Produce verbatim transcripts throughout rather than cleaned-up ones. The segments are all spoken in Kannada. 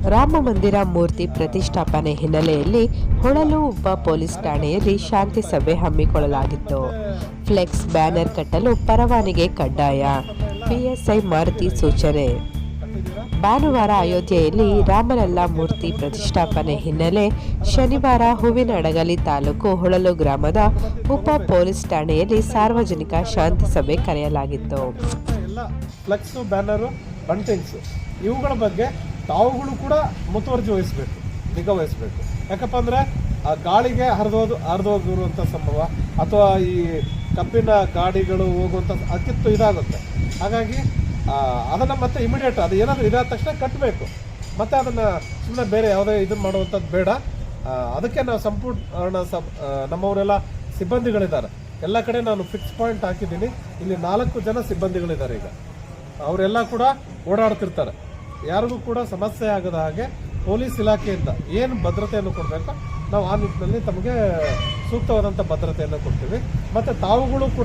ರಾಮ ಮಂದಿರ ಮೂರ್ತಿ ಪ್ರತಿಷ್ಠಾಪನೆ ಹಿನ್ನೆಲೆಯಲ್ಲಿ ಹೊಳಲು ಉಪ ಪೊಲೀಸ್ ಠಾಣೆಯಲ್ಲಿ ಶಾಂತಿ ಸಭೆ ಹಮ್ಮಿಕೊಳ್ಳಲಾಗಿತ್ತು. ಫ್ಲೆಕ್ಸ್ ಬ್ಯಾನರ್ ಕಟ್ಟಲು ಪರವಾನಗಿ ಕಡ್ಡಾಯ, ಪಿಎಸ್ಐ ಮಾರುತಿ ಸೂಚನೆ. ಭಾನುವಾರ ಅಯೋಧ್ಯೆಯಲ್ಲಿ ರಾಮಲಲ್ಲ ಮೂರ್ತಿ ಪ್ರತಿಷ್ಠಾಪನೆ ಹಿನ್ನೆಲೆ ಶನಿವಾರ ಹೂವಿನಹಡಗಲಿ ತಾಲೂಕು ಹೊಳಲು ಗ್ರಾಮದ ಉಪ ಪೊಲೀಸ್ ಠಾಣೆಯಲ್ಲಿ ಸಾರ್ವಜನಿಕ ಶಾಂತಿ ಸಭೆ ಕರೆಯಲಾಗಿತ್ತು. ಫ್ಲೆಕ್ಸ್ ಬ್ಯಾನರು ಬಂಟಿಂಗ್ಸ್ ಇವುಗಳ ಬಗ್ಗೆ ತಾವುಗಳು ಕೂಡ ಮುತುವರ್ಜಿ ವಹಿಸಬೇಕು, ನಿಗಾ ವಹಿಸಬೇಕು. ಯಾಕಪ್ಪ ಅಂದರೆ ಆ ಗಾಳಿಗೆ ಹರಿದೋದು ಹರಿದೋಗಿರುವಂಥ ಸಂಭವ ಅಥವಾ ಈ ಕಬ್ಬಿನ ಗಾಡಿಗಳು ಹೋಗುವಂಥ ಅತಿತ್ತು ಇದಾಗುತ್ತೆ. ಹಾಗಾಗಿ ಅದನ್ನು ಮತ್ತೆ ಇಮಿಡಿಯೇಟ್ ಅದು ಏನಾದರೂ ಇದಾದ ತಕ್ಷಣ ಕಟ್ಟಬೇಕು. ಮತ್ತು ಅದನ್ನು ಸುಮ್ಮನೆ ಬೇರೆ ಯಾವುದೇ ಇದನ್ನು ಮಾಡುವಂಥದ್ದು ಬೇಡ. ಅದಕ್ಕೆ ನಾವು ಸಂಪೂರ್ಣ ಸಬ್ ನಮ್ಮವರೆಲ್ಲ ಸಿಬ್ಬಂದಿಗಳಿದ್ದಾರೆ. ಎಲ್ಲ ಕಡೆ ನಾನು ಫಿಕ್ಸ್ ಪಾಯಿಂಟ್ ಹಾಕಿದ್ದೀನಿ. ಇಲ್ಲಿ ನಾಲ್ಕು ಜನ ಸಿಬ್ಬಂದಿಗಳಿದ್ದಾರೆ. ಈಗ ಅವರೆಲ್ಲ ಕೂಡ ಓಡಾಡ್ತಿರ್ತಾರೆ. ಯಾರಿಗೂ ಕೂಡ ಸಮಸ್ಯೆ ಆಗದ ಹಾಗೆ ಪೊಲೀಸ್ ಇಲಾಖೆಯಿಂದ ಏನು ಭದ್ರತೆಯನ್ನು ಕೊಡಬೇಕು ನಾವು ಆ ನಿಟ್ಟಿನಲ್ಲಿ ತಮಗೆ ಸೂಕ್ತವಾದಂಥ ಭದ್ರತೆಯನ್ನು ಕೊಡ್ತೀವಿ. ಮತ್ತು ತಾವುಗಳು ಕೂಡ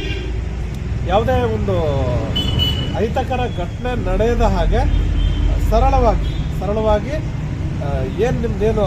ಯಾವುದೇ ಒಂದು ಅಹಿತಕರ ಘಟನೆ ನಡೆಯದ ಹಾಗೆ ಸರಳವಾಗಿ ಸರಳವಾಗಿ ಏನು ನಿಮ್ಮದೇನು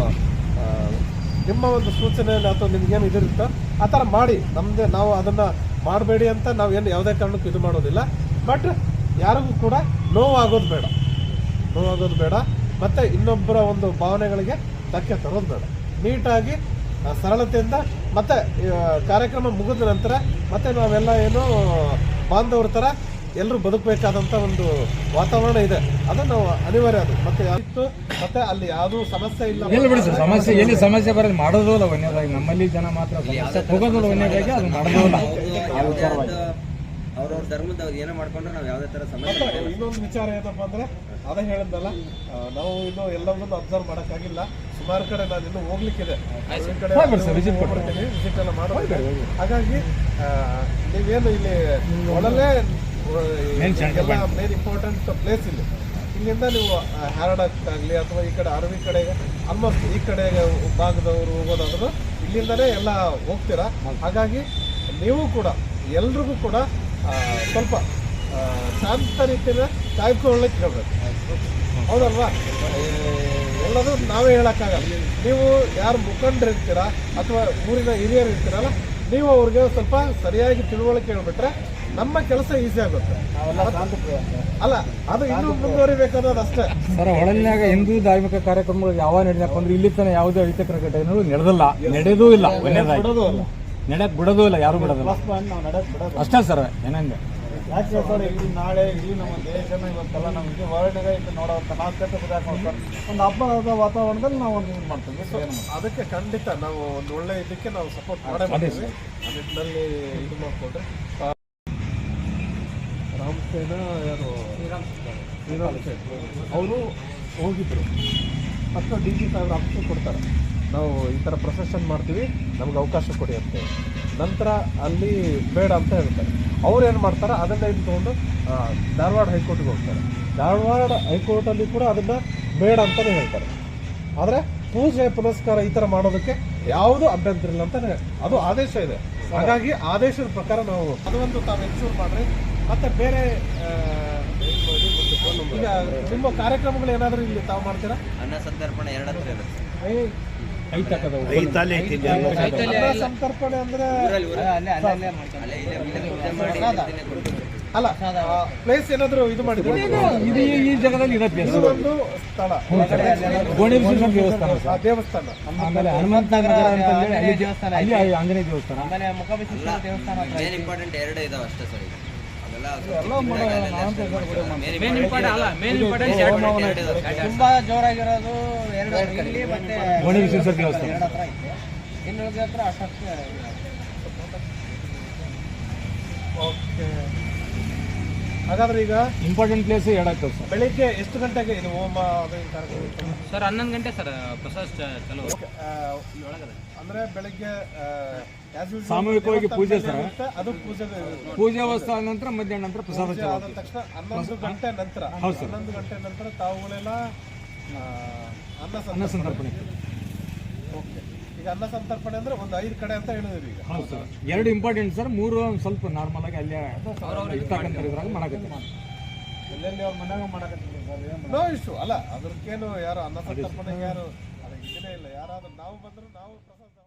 ನಿಮ್ಮ ಒಂದು ಸೂಚನೆ ಅಥವಾ ನಿಮ್ಗೇನು ಇದಿರುತ್ತೋ ಆ ಥರ ಮಾಡಿ. ನಮ್ಮದೇ ನಾವು ಅದನ್ನು ಮಾಡಬೇಡಿ ಅಂತ ನಾವು ಏನು ಯಾವುದೇ ಕಾರಣಕ್ಕೂ ಇದು ಮಾಡೋದಿಲ್ಲ. ಬಟ್ ಯಾರಿಗೂ ಕೂಡ ನೋವಾಗೋದು ಬೇಡ ನೋವಾಗೋದು ಬೇಡ ಮತ್ತು ಇನ್ನೊಬ್ಬರ ಒಂದು ಭಾವನೆಗಳಿಗೆ ಧಕ್ಕೆ ತರೋದು ಬೇಡ. ನೀಟಾಗಿ ಸರಳತೆಯಿಂದ ಮತ್ತು ಕಾರ್ಯಕ್ರಮ ಮುಗಿದ ನಂತರ ಮತ್ತೆ ನಾವೆಲ್ಲ ಏನು ಬಾಂಧವ್ರ ಥರ ಎಲ್ಲರೂ ಬದುಕಬೇಕಾದಂಥ ಒಂದು ವಾತಾವರಣ ಇದೆ. ಅದು ನಾವು ಅನಿವಾರ್ಯ. ಅದು ಮತ್ತೆ ಯಾವಿತ್ತು ಮತ್ತೆ ಅಲ್ಲಿ ಯಾವುದೂ ಸಮಸ್ಯೆ ಇಲ್ಲ. ಸಮಸ್ಯೆ ಎಲ್ಲಿ ಸಮಸ್ಯೆ ಬರೋದು ಮಾಡೋದಿಲ್ಲ ವನ್ಯದಾಗಿ. ನಮ್ಮಲ್ಲಿ ಜನ ಮಾತ್ರ ಹೋಗೋದಿಲ್ಲ ವನ್ಯದಾಗಿ, ಅದು ಮಾಡೋದಿಲ್ಲ. ಅವ್ರವ್ರ ಧರ್ಮದವ್ರು ಏನೋ ಮಾಡ್ಕೊಂಡ್ರೆ ನಾವು ಯಾವುದೇ ಥರ ಸಮಸ್ಯೆ. ಇನ್ನೊಂದು ವಿಚಾರ ಏನಪ್ಪ ಅಂದರೆ ಅದೇ ಹೇಳಿದ್ನಲ್ಲ, ನಾವು ಇನ್ನೂ ಎಲ್ಲವನ್ನೂ ಅಬ್ಸರ್ವ್ ಮಾಡೋಕ್ಕಾಗಿಲ್ಲ. ಸುಮಾರು ಕಡೆ ನಾನು ಇನ್ನೂ ಹೋಗ್ಲಿಕ್ಕಿದೆ, ವಿಸಿಟ್ ಎಲ್ಲ ಮಾಡಬೇಕು. ಹಾಗಾಗಿ ನೀವೇನು ಇಲ್ಲಿ ಒಳಲೇ ಎಲ್ಲ ಮೇನ್ ಇಂಪಾರ್ಟೆಂಟ್ ಪ್ಲೇಸ್ ಇಲ್ಲಿ. ಇಲ್ಲಿಂದ ನೀವು ಹ್ಯಾರಡಕ್ಕಾಗಲಿ ಅಥವಾ ಈ ಕಡೆ ಅರವಿ ಕಡೆಗೆ ಆಲ್ಮೋಸ್ಟ್ ಈ ಕಡೆ ಭಾಗದವರು ಹೋಗೋದಾದ್ರು ಇಲ್ಲಿಂದಲೇ ಎಲ್ಲ ಹೋಗ್ತೀರಾ. ಹಾಗಾಗಿ ನೀವು ಕೂಡ ಎಲ್ರಿಗೂ ಕೂಡ ಸ್ವಲ್ಪ ಶಾಂತ ರೀತಿಯಿಂದ ಕಾಯ್ಕೊಳ್ಳಿಕ್ಕೆ ಹೇಳ್ಬೇಕು. ಹೌದಲ್ವಾ? ಎಲ್ಲದೂ ನಾವೇ ಹೇಳೋಕ್ಕಾಗಲ್ಲ. ನೀವು ಯಾರು ಮುಖಂಡರಿರ್ತೀರಾ ಅಥವಾ ಊರಿನ ಹಿರಿಯರು ಇರ್ತೀರಲ್ಲ, ನೀವು ಅವ್ರಿಗೆ ಸ್ವಲ್ಪ ಸರಿಯಾಗಿ ತಿಳುವಳಿಕೆ ಹೇಳ್ಬಿಟ್ರೆ ನಮ್ಮ ಕೆಲಸ ಈಸಿ ಆಗುತ್ತೆ. ಅಲ್ಲ, ಅದು ಇನ್ನೂ ಮುಂದುವರಿಬೇಕಾದ್ರೆ ಅಷ್ಟೇ. ಸರ್, ಹೊಳಲಿನಾಗ ಹಿಂದೂ ಧಾರ್ಮಿಕ ಕಾರ್ಯಕ್ರಮಗಳು ಯಾವ ನಡೆಯಕ್ಕೆ ಅಂದ್ರೆ ಇಲ್ಲಿ ತನಕ ಯಾವುದೇ ಅಹಿತಕರ ಘಟನೆಗಳು ನಡೆದಿಲ್ಲ, ನಡೆದೂ ಇಲ್ಲ. ನಡೆಯಕ್ ಬಿಡೋದು ಇಲ್ಲ, ಯಾರು ಬಿಡೋದಿಲ್ಲ ಅಷ್ಟೇ ಸರ್. ಏನಂದ್ರೆ ಯಾಕೆ ಸರ್, ಇಲ್ಲಿ ನಾಳೆ ಇಲ್ಲಿ ನಮ್ಮ ದೇಶನ ಇವತ್ತೆಲ್ಲ ನಮಗೆ ಹೊರಗಡೆ ಇಲ್ಲಿ ನೋಡೋವಂಥ ನಾವು ಕೆಟ್ಟ ನೋಡ್ತಾರೆ ಒಂದು ಹಬ್ಬದ ವಾತಾವರಣದಲ್ಲಿ ನಾವು ಒಂದು ಇದು ಮಾಡ್ತೀವಿ. ಸೊ ಅದಕ್ಕೆ ಖಂಡಿತ ನಾವು ಒಂದು ಒಳ್ಳೆ ಇದಕ್ಕೆ ನಾವು ಸಪೋರ್ಟ್ ಮಾಡೇ ಮಾಡ್ತೀವಿ. ಆ ನಿಟ್ಟಿನಲ್ಲಿ ಇದು ಮಾಡಿಕೊಂಡ್ರೆ ರಾಮಸೇನ ಯಾರು ಶ್ರೀರಾಮ್ ಸೇನ್ ಅವರು ಹೋಗಿದ್ರು. ಫಸ್ಟ್ ಡಿ ಜಿ ಸಾಹೇಬ್ರ ಆಫೀಸಿಗೆ ಕೊಡ್ತಾರೆ, ನಾವು ಈ ಥರ ಪ್ರೊಸೆಷನ್ ಮಾಡ್ತೀವಿ, ನಮ್ಗೆ ಅವಕಾಶ ಕೊಡಿ ಅಂತ. ನಂತರ ಅಲ್ಲಿ ಬೇಡ ಅಂತ ಹೇಳ್ತಾರೆ. ಅವ್ರು ಏನು ಮಾಡ್ತಾರೆ, ಅದನ್ನು ಇದು ತೊಗೊಂಡು ಧಾರವಾಡ ಹೈಕೋರ್ಟ್ಗೆ ಹೋಗ್ತಾರೆ. ಧಾರವಾಡ ಹೈಕೋರ್ಟಲ್ಲಿ ಕೂಡ ಅದನ್ನು ಬೇಡ ಅಂತಲೇ ಹೇಳ್ತಾರೆ. ಆದರೆ ಪೂಜೆ ಪುನಸ್ಕಾರ ಈ ಥರ ಮಾಡೋದಕ್ಕೆ ಯಾವುದೂ ಅಭ್ಯಂತರ ಇಲ್ಲ ಅಂತ ಅದು ಆದೇಶ ಇದೆ. ಹಾಗಾಗಿ ಆದೇಶದ ಪ್ರಕಾರ ನಾವು ಅದೊಂದು ತಾವು ಎನ್ಶೂರ್ ಮಾಡಿರಿ. ಮತ್ತು ಬೇರೆ ಈಗ ನಿಮ್ಮ ಕಾರ್ಯಕ್ರಮಗಳು ಏನಾದರೂ ಇಲ್ಲಿ ತಾವು ಮಾಡ್ತೀರಾ? ಅನ್ನ ಸಂತರ್ಪಣೆ ಎರಡು ಹತ್ರ ಇರುತ್ತೆ. ಸಂತರ್ಪಣೆ ಅಂದ್ರೆ ಅಲ್ಲ, ಪ್ಲೇಸ್ ಏನಾದ್ರು ಇದು ಮಾಡಿದ್ರೆ ಇದು ಈ ಜಾಗದಲ್ಲಿ ಇದೆ ಪ್ಲೇಸ್. ಒಂದು ಸ್ಥಳ ದೇವಸ್ಥಾನ ದೇವಸ್ಥಾನ ಆಮೇಲೆ ಹನುಮಂತ ನಗರ ಅಂತ ಹೇಳಿ ಅಲ್ಲಿ ದೇವಸ್ಥಾನ, ಅಲ್ಲಿ ಆಂಜನೇಯ ದೇವಸ್ಥಾನ, ಆಮೇಲೆ ಮುಖಬಸವೇಶ್ವರ ದೇವಸ್ಥಾನ. ಮೇನ್ ಇಂಪಾರ್ಟೆಂಟ್ ಎರಡು ಇದಾವೆ ಅಷ್ಟೇ ಸರ್. ತುಂಬಾ ಜೋರಾಗಿರೋದು ಎರಡು ಇಲ್ಲಿ ಮತ್ತೆ ಗೋಣಿಬೀಸೇಶ್ವರ ದೇವಸ್ಥಾನ ಇನ್ನು ಹತ್ರ ಅಷ್ಟಕ್ಕೆ. ಓಕೆ, ಹಾಗಾದ್ರೆ ಈಗ ಇಂಪಾರ್ಟೆಂಟ್ ಪ್ಲೇಸ್ ಹೇಳಕ್ಕೆ ಸರ್. ಬೆಳಿಗ್ಗೆ ಎಷ್ಟು ಗಂಟೆಗೆ ಇದು ಹೋಮ ಸರ್? ಹನ್ನೊಂದು ಗಂಟೆ ಸರ್ ಪ್ರಸಾದ ಚಲೋ. ಅಂದ್ರೆ ಬೆಳಿಗ್ಗೆ ಸಾಮೂಹಿಕವಾಗಿ ಪೂಜೆ ಸರ್. ಅದು ಪೂಜೆ ಪೂಜೆ ಅವಸ್ಥೆ ನಂತರ ಮಧ್ಯಾಹ್ನ ನಂತರ ಪ್ರಸಾದ ಆದ ತಕ್ಷಣ ಹನ್ನೊಂದು ಗಂಟೆ ನಂತರ ಹನ್ನೊಂದು ಗಂಟೆ ನಂತರ ತಾವುಗಳೆಲ್ಲ ಅನ್ನ ಸಂತರ್ಪಣೆ. ಓಕೆ, ಈಗ ಅನ್ನ ಸಂತರ್ಪಣೆ ಅಂದ್ರೆ ಒಂದು ಐದು ಕಡೆ ಅಂತ ಹೇಳಿದ್ರಿ ಈಗ. ಹೌದು ಸರ್, ಎರಡು ಇಂಪಾರ್ಟೆಂಟ್ ಸರ್, ಮೂರು ಸ್ವಲ್ಪ ನಾರ್ಮಲ್ ಆಗಿ ಅಲ್ಲೇ ಇರ್ತಕ್ಕಂಥ ಇದ್ರಾಗ ಮಾಡಕತ್ತೀವಿ. ಎಲ್ಲೆಲ್ಲಿ ಅವ್ರ ಮನ್ಯಾಗ ಮಾಡಕತ್ತೀವಿ. ನೋ ಇಶ್ಯೂ ಅಲ್ಲ, ಅದ್ರಕ್ಕೇನು ಯಾರು ಅನ್ನ ಸಂತರ್ಪಣೆಗೆ ಯಾರು ಅದು ಇದನ್ನೇ ಇಲ್ಲ. ಯಾರಾದ್ರೂ ನಾವು ಬಂದ್ರು ನಾವು ಪ್ರಸಾದ